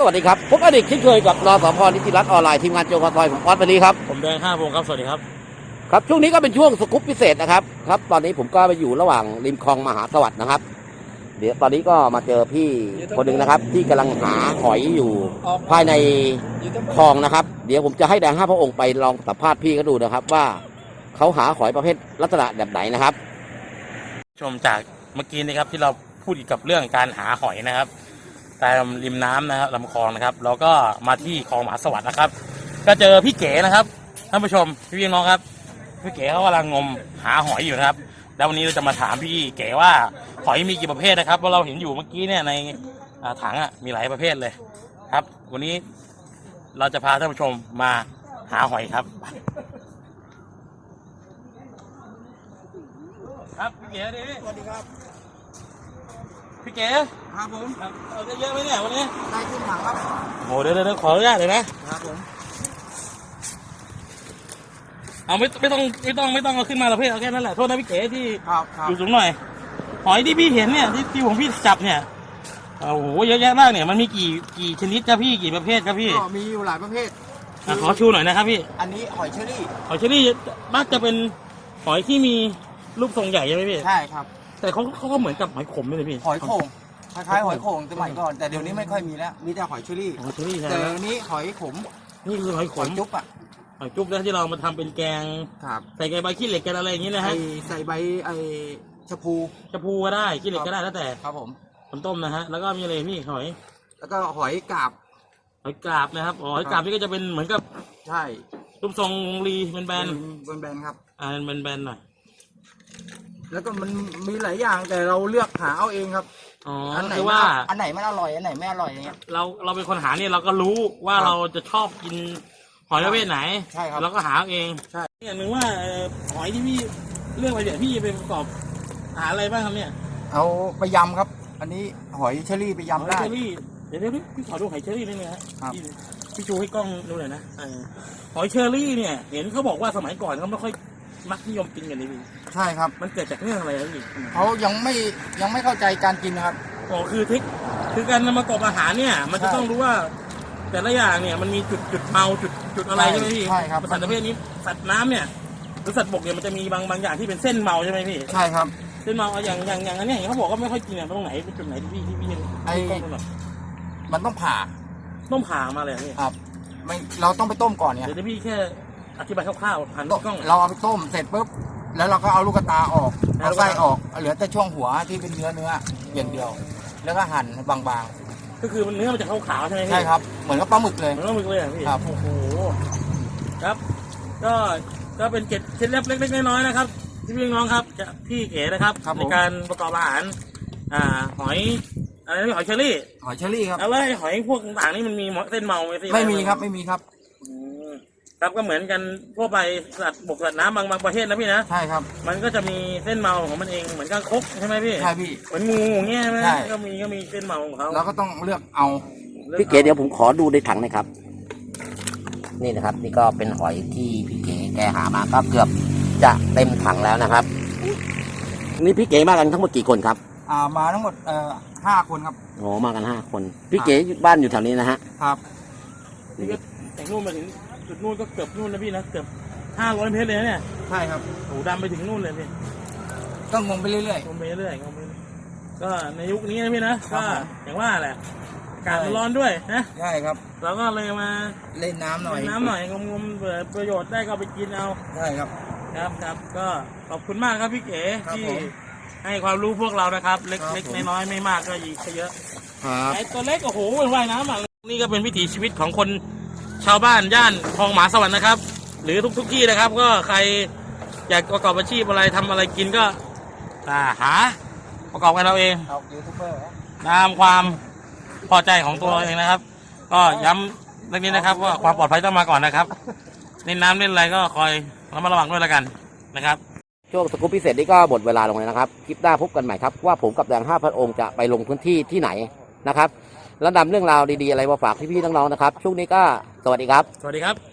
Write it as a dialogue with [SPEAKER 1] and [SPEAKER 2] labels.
[SPEAKER 1] วัสดีครับผมอดีตที่เคยกับนสพ.นิติรัตน์ออนไลน์ทีมงานโจกซอยผมออสวันนี้ครับ
[SPEAKER 2] ผมแดง5 วงครับสวัสดีครับ
[SPEAKER 1] ครับช่วงนี้ก็เป็นช่วงสกู๊ปพิเศษนะครับตอนนี้ผมก็ไปอยู่ระหว่างริมคลองมหาสวัสดิ์นะครับเดี๋ยวตอนนี้ก็มาเจอพี่คนหนึ่งนะครับที่กำลังหาหอยอยู่ภายในคลองนะครับเดี๋ยวผมจะให้แดง5 พระองค์ไปลองสัมภาษณ์พี่เขาดูนะครับว่าเขาหาหอยประเภทลักษณะแบบไหนนะครับ
[SPEAKER 2] ชมจากเมื่อกี้นะครับที่เราพูดเกี่ยวกับเรื่องการหาหอยนะครับตามริมน้ำนะครับลำคลองนะครับเราก็มาที่คลองมหาสวัสดิ์นะครับก็เจอพี่เก๋นะครับท่านผู้ชมพี่น้องครับพี่เก๋เขากำลังงมหาหอยอยู่นะครับแล้ววันนี้เราจะมาถามพี่เก๋ว่าหอยมีกี่ประเภทนะครับเพราะเราเห็นอยู่เมื่อกี้เนี่ยในถังมีหลายประเภทเลยครับวันนี้เราจะพาท่านผู้ชมมาหาหอยครับครับพี่เก๋ดิ
[SPEAKER 3] สวัสดีครับ
[SPEAKER 2] พี่เก๋
[SPEAKER 3] ครับผม
[SPEAKER 2] เอาได้เยอะไหมเนี่ยวันนี้
[SPEAKER 3] ได้ขึ้นถังครับ
[SPEAKER 2] โอ้เดี๋ยวขออนุญาตเลยนะครับ
[SPEAKER 3] ผม
[SPEAKER 2] เอาไม่ต้องเอาขึ้นมาละเพื่อนเอาแค่นั้นแหละโทษนะพี่เก๋ที่
[SPEAKER 3] ครับ
[SPEAKER 2] อยู่สูงหน่อยหอยที่พี่เห็นเนี่ยที่ผมพี่จับเนี่ยโอ้โหเยอะแยะมากเนี่ยมันมีกี่ชนิดครับพี่กี่ประเภทครับพี่
[SPEAKER 3] ก็มีอยู่หลายประเภท
[SPEAKER 2] ขอชูหน่อยนะครับพี่
[SPEAKER 3] อันนี้หอยเชอรี่
[SPEAKER 2] หอยเชอรี่มักจะเป็นหอยที่มีรูปทรงใหญ่ใช่ไหมพี่
[SPEAKER 3] ใช่ครับ
[SPEAKER 2] แต่เขาก็เหมือนกับหอยขมเลยพี่
[SPEAKER 3] หอยโข่งคล้ายๆหอยโข่งสมัยก่อนแต่เดี๋ยวนี้ไม่ค่อยมีแล้วมีแต่หอยเชอรี่แต่เดี๋ยวนี้หอยขม
[SPEAKER 2] นี่คือหอยขม
[SPEAKER 3] จุ๊บอะ
[SPEAKER 2] หอยจุ๊บแล้วที่เรามาทำเป็นแกงใส่ใบขี้เหล็กกันอะไรอย่างนี้นะฮะ
[SPEAKER 3] ใส่ใบชะพู
[SPEAKER 2] ก็ได้ขี้เหล็กก็ได้แล้วแต่
[SPEAKER 3] ครับผม
[SPEAKER 2] ต้มนะฮะแล้วก็มีอะไรนี่หอย
[SPEAKER 3] แล้วก็หอยกาบ
[SPEAKER 2] นะครับหอยกาบนี่ก็จะเป็นเหมือนกับ
[SPEAKER 3] ใช่
[SPEAKER 2] รูปทรงรีเป็นแบน
[SPEAKER 3] ครับ
[SPEAKER 2] เป็นแบนหน่อย
[SPEAKER 3] แล้วก็มันมีหลายอย่างแต่เราเลือกหาเอาเองครับ
[SPEAKER 2] อันไหนว่า
[SPEAKER 3] อันไหนมันอร่อยอันไหนไม่อร่อยอย่างเงี้ย
[SPEAKER 2] เราเป็นคนหาเนี่ยเราก็รู้ว่าเราจะชอบกินหอยประเภทไหน
[SPEAKER 3] ใช่ครับ
[SPEAKER 2] เราก็หาเอง
[SPEAKER 3] ใช่
[SPEAKER 2] อย่างหนึ่งว่าหอยที่พี่เลือกไปเดี๋ยวพี่ไปประกอบหาอะไรบ้างครับเนี่ย
[SPEAKER 3] เอาไปยำครับอันนี้หอยเชอรี่ไปยำได้
[SPEAKER 2] เดี๋ยวพี่ขอดูหอยเชอรี่ได้ไหมครับพี่ชูให้กล้องดูหน่อยนะหอยเชอรี่เนี่ยเห็นเขาบอกว่าสมัยก่อนเขาไม่ค่อยมักนิยมกินกันเลยพี่
[SPEAKER 3] ใช่ครับ
[SPEAKER 2] มันเกิดจากเรื่องอะไรครับพี่
[SPEAKER 3] เขายังไม่เข้าใจการกินนะครับ
[SPEAKER 2] คือการนำมาประกอบอาหารเนี่ยมันจะต้องรู้ว่าแต่ละอย่างเนี่ยมันมีจุดเมาจุดอะไรใช่ไหมพี่
[SPEAKER 3] ใช่ครับ
[SPEAKER 2] สัตว์ประเภทนี้สัตว์น้ำเนี่ยหรือสัตว์บกเนี่ยมันจะมีบางอย่างที่เป็นเส้นเมาใช่ไหมพี่
[SPEAKER 3] ใช่ครับ
[SPEAKER 2] เส้นเมาอย่างอันนี้เขาบอกว่าไม่ค่อยกินเนี่ยตรงไหนเป็นจุดไหนที่พี่
[SPEAKER 3] มันต้องผ่า
[SPEAKER 2] มาเลยพี่
[SPEAKER 3] ครับไม่เราต้องไปต้มก่อนเนี่ย
[SPEAKER 2] เดี๋ยวพี่แค่อธิบายคร่าวๆผ่านกล้อง
[SPEAKER 3] เราเอาไปต้มเสร็จปุ๊บแล้วเราก็เอาลูกตาออกเอาไส้ออกเหลือแต่ช่วงหัวที่เป็นเนื้ออย่างเดียวแล้วก็หั่นบาง
[SPEAKER 2] ๆก็คือเนื้อมันจะขาวๆใช่ไหมพี่
[SPEAKER 3] ใช่ครับเหมือนกับปลาหมึกเลย
[SPEAKER 2] พี่ครับโอ้โหครับก็เป็นเคล็ดลับเล็กๆน้อยๆนะครับพี่น้องครับพี่เก๋นะครับในการประกอบอาหารหอยอะไรนะหอยเชอรี่
[SPEAKER 3] ครับ
[SPEAKER 2] แล้วหอยพวกต่างๆนี่มันมีเส้นเมาไหมพี่
[SPEAKER 3] ไม่มีครับ
[SPEAKER 2] ครับก็เหมือนกันทั่วไปสัตว์บกสัตว์น้ำบางประเทศนะพี่นะ
[SPEAKER 3] ใช่ครับ
[SPEAKER 2] มันก็จะมีเส้นเมาของมันเองเหมือนกับคกใช่ไหมพี่
[SPEAKER 3] ใช่พี่
[SPEAKER 2] เหมือนงูเงี้ยไหมก็มีเส้นเมาของเขา
[SPEAKER 3] เราก็ต้องเลือกเอา
[SPEAKER 1] พี่เก๋เดี๋ยวผมขอดูในถังนะครับนี่นะครับนี่ก็เป็นหอยที่พี่เก๋แกหามาก็เกือบจะเต็มถังแล้วนะครับนี่พี่เก๋มากันทั้งหมดกี่คนครับ
[SPEAKER 3] มาทั้งหมด5 คนครับ
[SPEAKER 1] โอ้มากัน5 คนพี่เก๋บ้านอยู่แถวนี้นะฮะ
[SPEAKER 3] ครับ
[SPEAKER 2] นี่ก็แต่งนู่นมาถึงจุดนู่นก็เกือบนู่นนะพี่นะเกือบ500 เมตรเลยเนี่ย
[SPEAKER 3] ใช่ครับ
[SPEAKER 2] โอ้ดำไปถึงนู่นเลยพี่
[SPEAKER 3] ก็งมไปเรื่อย
[SPEAKER 2] ก็ในยุคนี้นะพี่นะก็อย่างว่าแหละอากาศมันร้อนด้วยนะ
[SPEAKER 3] ใช่ครับ
[SPEAKER 2] เราก็เลยมา
[SPEAKER 3] เล่นน้ำหน่อย
[SPEAKER 2] งมประโยชน์ได้ก็ไปกินเอา
[SPEAKER 3] ใช่ครับ
[SPEAKER 2] ก็ขอบคุณมากครับพี่เก๋ที่ให้ความรู้พวกเรานะครับเล็กน้อยไม่มากก็อีกเยอะไอ้ตัวเล็กโอ้โหว่ายน้ำนี่ก็เป็นวิถีชีวิตของคนชาวบ้านย่านคลองมหาสวัสดิ์นะครับหรือทุกที่นะครับก็ใครอยากประกอบอาชีพอะไรทำอะไรกินก็หาประกอบกันเราเองตามความพอใจของตัวเราเองนะครับก็ย้ำเรื่องนี้นะครับว่าความปลอดภัยต้องมาก่อนนะครับเล่นน้ำเล่นอะไรก็คอยระมัดระวังด้วยแล้วกันนะครับ
[SPEAKER 1] ช่วงสกู๊ปพิเศษนี้ก็หมดเวลาลงเลยนะครับคลิปหน้าพบกันใหม่ครับว่าผมกับแดง5 พระองค์จะไปลงพื้นที่ที่ไหนนะครับแล้วนำเรื่องราวดีๆอะไรมาฝากพี่ๆน้องๆนะครับช่วงนี้ก็สวัสดีครับ
[SPEAKER 2] สวัสดีครับ